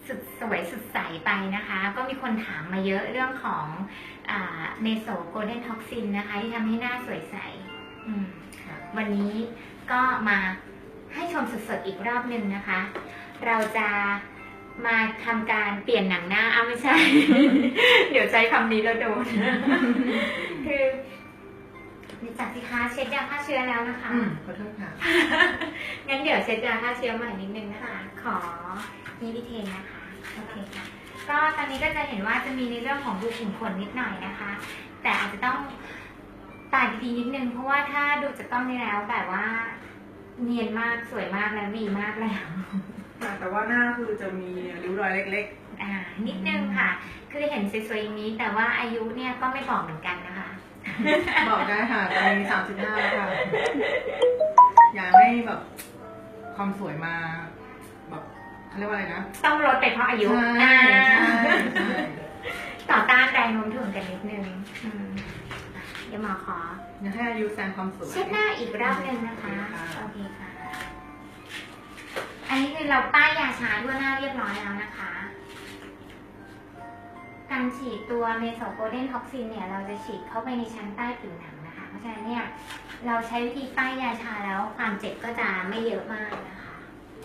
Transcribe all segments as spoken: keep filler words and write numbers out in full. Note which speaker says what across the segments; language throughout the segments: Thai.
Speaker 1: สุดสวยสุดใสไปนะคะก็มีคนถามมาเยอะเรื่องของเมโซโกลเด้นท็อกซินนะคะที่ทำให้หน้าสวยใสวันนี้ก็มาให้ชมสดๆอีกรอบหนึ่งนะคะ เราจะมาทำการเปลี่ยนหนังหน้าอ้าวไม่ใช่ เดี๋ยวใช้คำนี้แล้วโดน คือจากสิคะเช็ดยาฆ่าเชื้อแล้วนะคะ
Speaker 2: ขอโทษค่ะ
Speaker 1: งั้นเดี๋ยวเช็ดยาฆ่าเชื้อใหม่นิดนึงนะคะ ขอนิวิเทนนะคะโอเคค่ะก็ตอนนี้ก็จะเห็นว่าจะมีในเรื่องของรูขุมขนนิดหน่อยนะคะ แต่อาจจะต้องตาดีๆนิดนึงเพราะว่าถ้าดูจากกล้องนี้แล้วแบบว่าเนียนมากสวยมากแล้วดีมากแล้ว
Speaker 2: แต่ว่าหน้าคือจะมีริ้วรอยเล็ก
Speaker 1: ๆอ่านิดนึงค่ะคือเห็นสวยๆอย่างนี้แต่ว่าอายุเนี่ยก็ไม่บอกเหมือนกันนะคะ
Speaker 2: บอกได้ค่ะตอนนี้สามสิบห้าแล้วค่ะอยากให้แบบความสวยมาแบบเขาเรียกว่าอะไรนะ
Speaker 1: ต้องลดไปเพราะอายุ
Speaker 2: ใช่ใช่
Speaker 1: ต่อต้านแรงโน้มถ่วงกันนิดนึงเดี๋ยวหมอขอ
Speaker 2: อยากให้อายุแซงความสวย
Speaker 1: เช็ดหน้าอีกรอบนึงนะคะโอเคค่ะอันนี้คือเราป้ายยาชาทั่วหน้าเรียบร้อยแล้วนะคะการฉีดตัวเมโซโกลเด้นท็อกซินเนี่ยเราจะฉีดเข้าไปในชั้นใต้ผิวหนังนะคะเพราะฉะนั้นเนี่ยเราใช้วิธีป้ายยาชาแล้วความเจ็บก็จะไม่เยอะมากนะคะ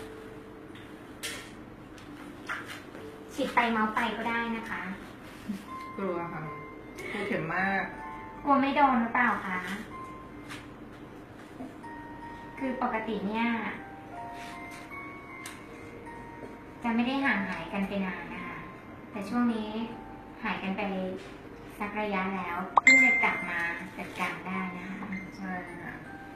Speaker 1: ฉีดไปเมาส์ไปก็ได้นะคะ
Speaker 2: กลัวค่ะกลัวเข็มมาก
Speaker 1: กลัวไม่โดนหรือเปล่าคะคือปกติเนี่ยจะไม่ได้ห่างหายกันไปนานนะคะแต่ช่วงนี้หายกันไปสักระยะแล้วเพิ่งจะกลับมาจัดการได้นะคะ
Speaker 2: ใช่ค่ะ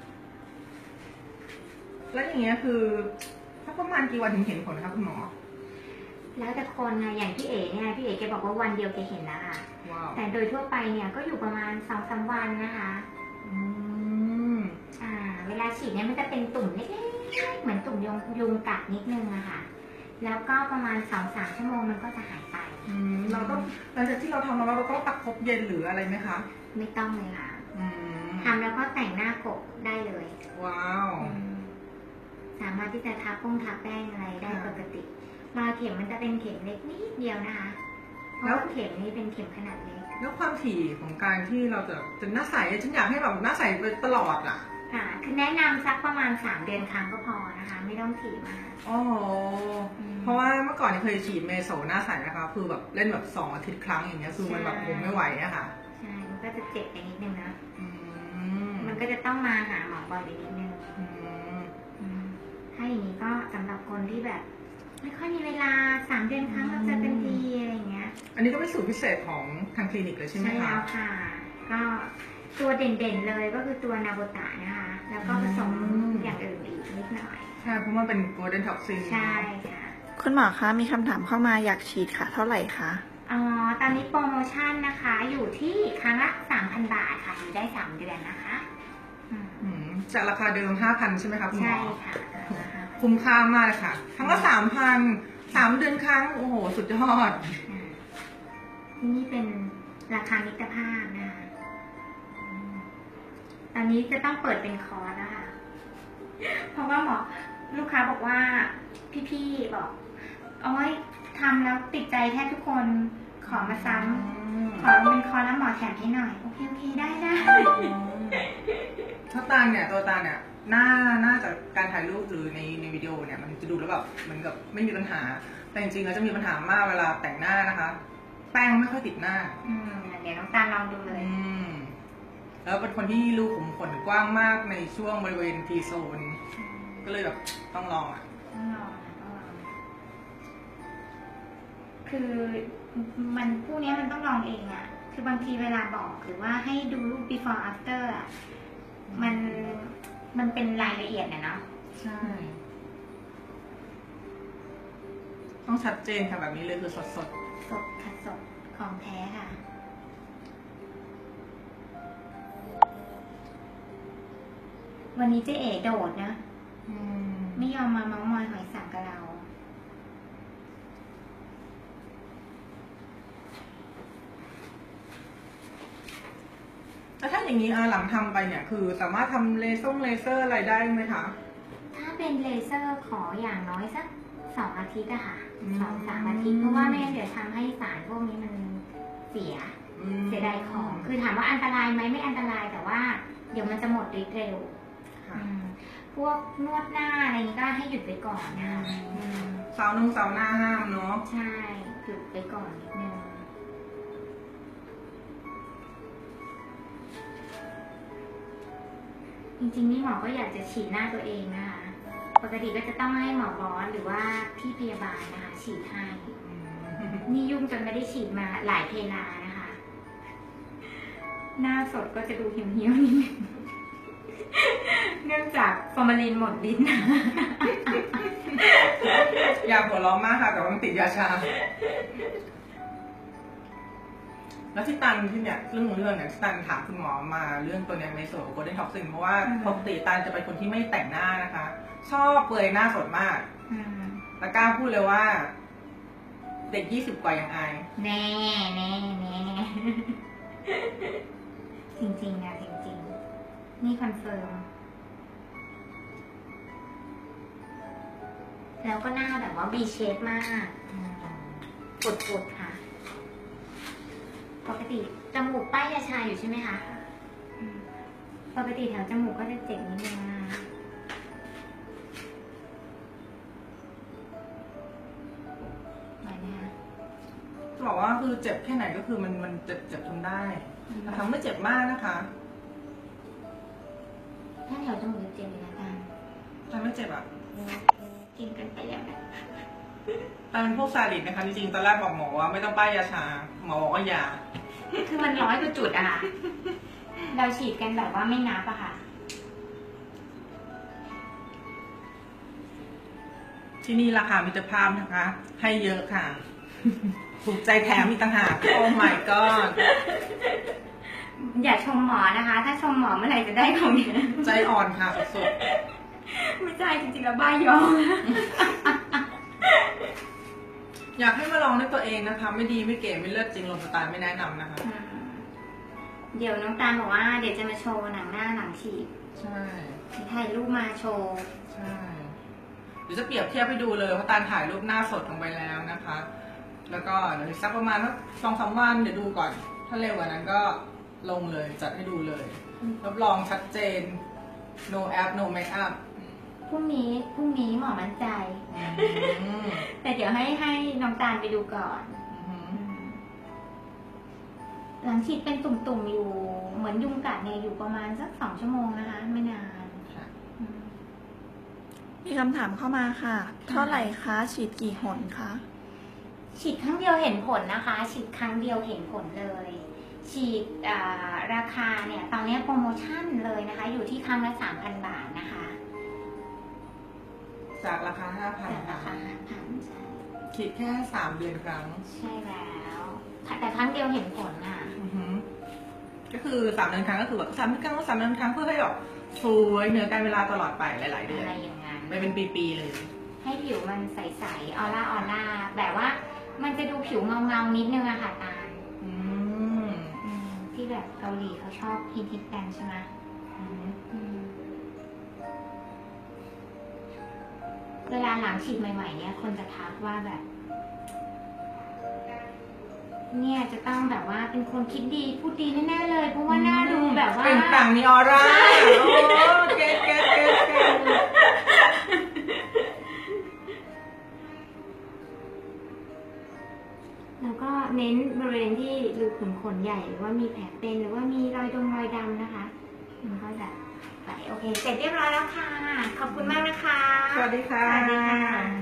Speaker 2: แล้วอย่างเงี้ยคือถ้าประมาณกี่วันถึงเห็นผลคะคุณหมอ
Speaker 1: แล้วแต่คนไงอย่างพี่เอ๋เนี่ยพี่เอ๋แกบอกว่าวันเดียวแกเห็นแล้วค่ะแต่โดยทั่วไปเนี่ยก็อยู่ประมาณสองสามวันนะคะอืมอ่าเวลาฉีดเนี่ยมันจะเป็นตุ่มเล็กๆเหมือนตุ่มยุงยุงกัดนิดนึงอะค่ะแล้วก็ประมาณสองสามชั่วโมงมันก็จะหายไป
Speaker 2: เราต้องหลังจากที่เราทำแล้วเราต้องประคบเย็นหรืออะไรไหมคะ
Speaker 1: ไม่ต้องเลยค่ะทำแล้วก็แต่งหน้ากบได้เลย
Speaker 2: ว้าว
Speaker 1: สามารถที่จะทาปุ้งทาแป้งอะไรได้ปกติรอยเข็มมันจะเป็นเข็มเล็กนิดเดียวนะคะเพราะเข็มนี้เป็นเข็มขนาดเล็ก
Speaker 2: แล้วความถี่ของการที่เราจะจะหน้าใสฉันอยากให้แบบหน้าใสไปตลอดอ่ะ
Speaker 1: ค่ะคือแนะนำสักประมาณสามเดือนครั้งก็พอนะคะไม่ต้องถี่มาก
Speaker 2: อ๋อเพราะว่าเมื่อก่อนเคยฉีดเมโซหน้าใสนะคะคือแบบเล่นแบบสองอาทิตย์ครั้งอย่างเงี้ยคือมันแบบผมไม่ไหวอะค่ะ
Speaker 1: ใช่มันก็จะเจ็บไปนิดนึงนะมันก็จะต้องมาหาหมอบ่อยไปนิดนึงถ้าอย่างนี้ก็สำหรับคนที่แบบไม่ค่อยมีเวลาสามเดือนครั้งเราจะเป็นทีอะไรเงี้ย
Speaker 2: อันนี้ก็เป็นสูตรพิเศษของทางคลินิกเลยใช่ไหมคะ
Speaker 1: ใช่แล้วค่ะก็ตัวเด่นๆเลยก็คือตัวนาโบตะนะคะแล้วก็ผสมอย่างอื่นอีกนิดหน่อย
Speaker 2: ใช่เพราะมันเป็นโกลเด้นท็อกซิน
Speaker 1: ใช่ค่ะ
Speaker 3: คุณหมอคะมีคำถามเข้ามาอยากฉีดค่ะเท่าไหร่คะ
Speaker 1: อ๋อตอนนี้โปรโมชั่นนะคะอยู่ที่ครั้งละ สามพัน บาทค่ะอยู่ได้สามเดือนนะคะ
Speaker 2: จากราคาเดิม ห้าพัน ใช่ไหมคะคุณหมอ
Speaker 1: ใช่ค่ะ
Speaker 2: คุ้มค่ามากเลยค่ะครั้งละ สามพัน สามเดือนครั้งโอ้โหสุดยอด
Speaker 1: นี่เป็นราคามิตรภาพนะคะตอนนี้จะต้องเปิดเป็นคอร์สแล้วค่ะเพราะว่าหมอลูกค้าบอกว่าพี่ๆบอกโอ้ยทำแล้วติดใจแทบทุกคนขอมาซ้ำขอเป็นคอร์สแล้วหมอแถมให้หน่อยโอเคโอเคได้ได้
Speaker 2: ถ้าตาเนี่ยตัวตาเนี่ยหน้าหน้าจากการถ่ายรูปหรือในในวิดีโอเนี่ยมันจะดูแล้วแบบเหมือนกับไม่มีปัญหาแต่จริงๆแล้วจะมีปัญหามากเวลาแต่งหน้านะคะแป้งไม่ค่อยติดหน้า
Speaker 1: อืมเดี๋ยวน้องตาลองดูเลย
Speaker 2: อืมแล้วเป็นคนที่รูขุมขนกว้างมากในช่วงบริเวณทีโซนก็เลยแบบต้องลองอ่ะ
Speaker 1: ต้องลองต้องลองคือมันพวกนี้มันต้องลองเองอ่ะคือบางทีเวลาบอกหรือว่าให้ดูรูป before after อ่ะมันมันเป็นรายละเอียดนะเนาะ
Speaker 2: ใช่ต้องชัดเจนค่ะแบบนี้เลยคือสดสด
Speaker 1: สดค่ะสดของแท้ค่ะวันนี้เจ๊เอ๋โดดนะไม่ยอมมาเม้ามอยหอยสังกับเรา
Speaker 2: แล้วถ้าอย่างนี้หลังทำไปเนี่ยคือสามารถทำเลเซอร์เลเซอร์อะไรได้ไหมคะ
Speaker 1: ถ้าเป็นเลเซอร์ขออย่างน้อยสักสองอาทิตย์อะค่ะสองสามอาทิตย์เพราะว่าไม่งั้นเดี๋ยวทำให้สารพวกนี้มันเสีย
Speaker 2: อืม
Speaker 1: เสียดายของ คือถามว่าอันตรายไหมไม่อันตรายแต่ว่าเดี๋ยวมันจะหมดฤทธิ์เร็ว
Speaker 2: ค่ะ
Speaker 1: อืมพวกนวดหน้าอะไรนี้ก็ให้หยุดไปก่อนนะคะ
Speaker 2: อืม
Speaker 1: อืม
Speaker 2: เสาร์นงเสาร์หน้าห้ามเนาะ
Speaker 1: ใช่หยุดไปก่อนนิดนึงจริงๆนี่หมอก็อยากจะฉีดหน้าตัวเองนะคะ ปกติก็จะต้องให้หมอบอสหรือว่าพี่พยาบาลนะคะ ฉีดให้
Speaker 2: อืม
Speaker 1: นี่ยุ่งจนไม่ได้ฉีดมาหลายเพลานะคะ หน้าสดก็จะดูเหี่ยวๆนิดนึง เนื่องจากฟอร์มาลินหมดลิ้น
Speaker 2: อยากหัวเราะมากค่ะ แต่ว่ามันติดยาชา แล้วที่ตันที่เนี่ยเรื่องของเรื่องเนี่ยที่ตันถามคุณหมอมาเรื่องตัวเนี้ในส่วนของโกลเด้นท็อกซินเพราะว่า
Speaker 1: อืม
Speaker 2: ปกติตันจะเป็นคนที่ไม่แต่งหน้านะคะ ชอบเปลือยหน้าสดมาก
Speaker 1: อืม
Speaker 2: แล้วกล้าพูดเลยว่า เด็กยี่สิบกว่ายังอาย
Speaker 1: แน่แน่แน่จริงๆนะจริงๆ นี่คอนเฟิร์ม แล้วก็หน้าแบบว่า B shape มากปุดๆค่ะ ปกติจมูกป้ายยาชาอยู่ใช่ไหมคะอืมปกติแถวจมูกก็จะเจ็บนิดนึงนะไหวไหมคะ
Speaker 2: จะบอกว่าคือเจ็บแค่ไหนก็คือมันมันเจ็บเจ็บทนได้นะคะไม่เจ็บมากนะคะ
Speaker 1: ถ้าแถวจมูกจะเจ็บเลยนะกัน
Speaker 2: แต่ไม่เจ็บอ่ะ
Speaker 1: กินกันไปแล้วนะ
Speaker 2: แต่เป็นพวกซาดิสนะคะจริงๆตอนแรกบอกหมอว่าไม่ต้องป้ายยาชาหมอบอกว่าอย่า
Speaker 1: คือมันร้อยกว่าจุดอะค่ะ เราฉีดกันแบบว่าไม่นับอะค่ะ
Speaker 2: ที่นี่ราคามิตรภาพนะคะ ให้เยอะค่ะ ถูกใจแถมอีกต่างหากโอ้ my god
Speaker 1: อย่าชมหมอนะคะ ถ้าชมหมอเมื่อไหร่จะได้ของเนี้ย
Speaker 2: ใจอ่อนค่ะสุด
Speaker 1: ไม่ใช่จริงๆแล้วบ้ายอ
Speaker 2: ๆอยากให้มาลองด้วยตัวเองนะคะ ไม่ดีไม่เก๋ไม่เลิศจริงลงสไตล์ไม่แนะนำนะคะ
Speaker 1: เดี๋ยวน้องตาลบอกว่าเดี๋ยวจะมาโชว์หนังหน้าหลังฉีด
Speaker 2: ใช่
Speaker 1: ถ่ายรูปมาโชว์
Speaker 2: ใช่เดี๋ยวจะเปรียบเทียบให้ดูเลยเพราะตาลถ่ายรูปหน้าสดลงไปแล้วนะคะ แล้วก็เดี๋ยวสักประมาณสองสามวันเดี๋ยวดูก่อน ถ้าเร็วกว่านั้นก็ลงเลยจัดให้ดูเลย รับรองชัดเจน no app no makeup
Speaker 1: พรุ่งนี้พรุ่งนี้หมอมั่นใจ
Speaker 2: อืม
Speaker 1: แต่เดี๋ยวให้ให้น้องตาลไปดูก่อน
Speaker 2: อืม
Speaker 1: หลังฉีดเป็นตุ่มๆอยู่ เหมือนยุงกัดเนี่ยอยู่ประมาณสักสองชั่วโมงนะคะ ไม่นาน
Speaker 2: ค่ะ
Speaker 1: อืม
Speaker 3: มีคำถามเข้ามาค่ะ เท่าไหร่คะ ฉีดกี่หนคะ
Speaker 1: ฉีดครั้งเดียวเห็นผลนะคะ ฉีดครั้งเดียวเห็นผลเลย ฉีดอ่าราคาเนี่ยตอนนี้โปรโมชั่นเลยนะคะ อยู่ที่ครั้งละสามพันบาทนะคะ
Speaker 2: จากราคาห้าพัน
Speaker 1: แต่รา
Speaker 2: ค่ะ
Speaker 1: คาห้าพันใช่
Speaker 2: คิดแค่สามเดือนครั้ง
Speaker 1: ใช่แล้วแต่ครั้งเดียวเห็นผลค่ะ
Speaker 2: อือหือก็คือสามเดือนครั้งก็คือแบบสามเดือนครั้งก็สามเดือนครั้งเพื่อให้แบบสวยเหนือการเวลาตลอดไปหลาย ๆ เดือน
Speaker 1: อะไรอย่างนั้น
Speaker 2: ไปเป็นปีๆเลย
Speaker 1: ให้ผิวมันใสๆออร่าออร่าแบบว่ามันจะดูผิวเงาเงาๆนิดนึงอะค่ะตาล
Speaker 2: อืม
Speaker 1: อืมที่แบบเกาหลีเขาชอบฮิตฮิตกันใช่ไหม
Speaker 2: อืม
Speaker 1: อืมเวลาหลังฉีดใหม่ๆเนี่ยคนจะทักว่าแบบ เนี่ยจะต้องแบบว่าเป็นคนคิดดีพูดดีแน่ๆเลย เพราะว่าหน้าดูแบบว่า
Speaker 2: เป็นปลั่งมีออร่าโอ้เก็ตเก็ตเก็ตเก็ต
Speaker 1: แล้วก็เน้นบริเวณที่รูขุมขนใหญ่หรือว่ามีแผลเป็นหรือว่ามีรอยดงรอยดำนะคะมันก็จะไปโอเค เสร็จเรียบร้อยแล้วค่ะ ขอบคุณมากนะคะ
Speaker 2: สวัสดีค่ะ
Speaker 1: สวัสดีค่ะ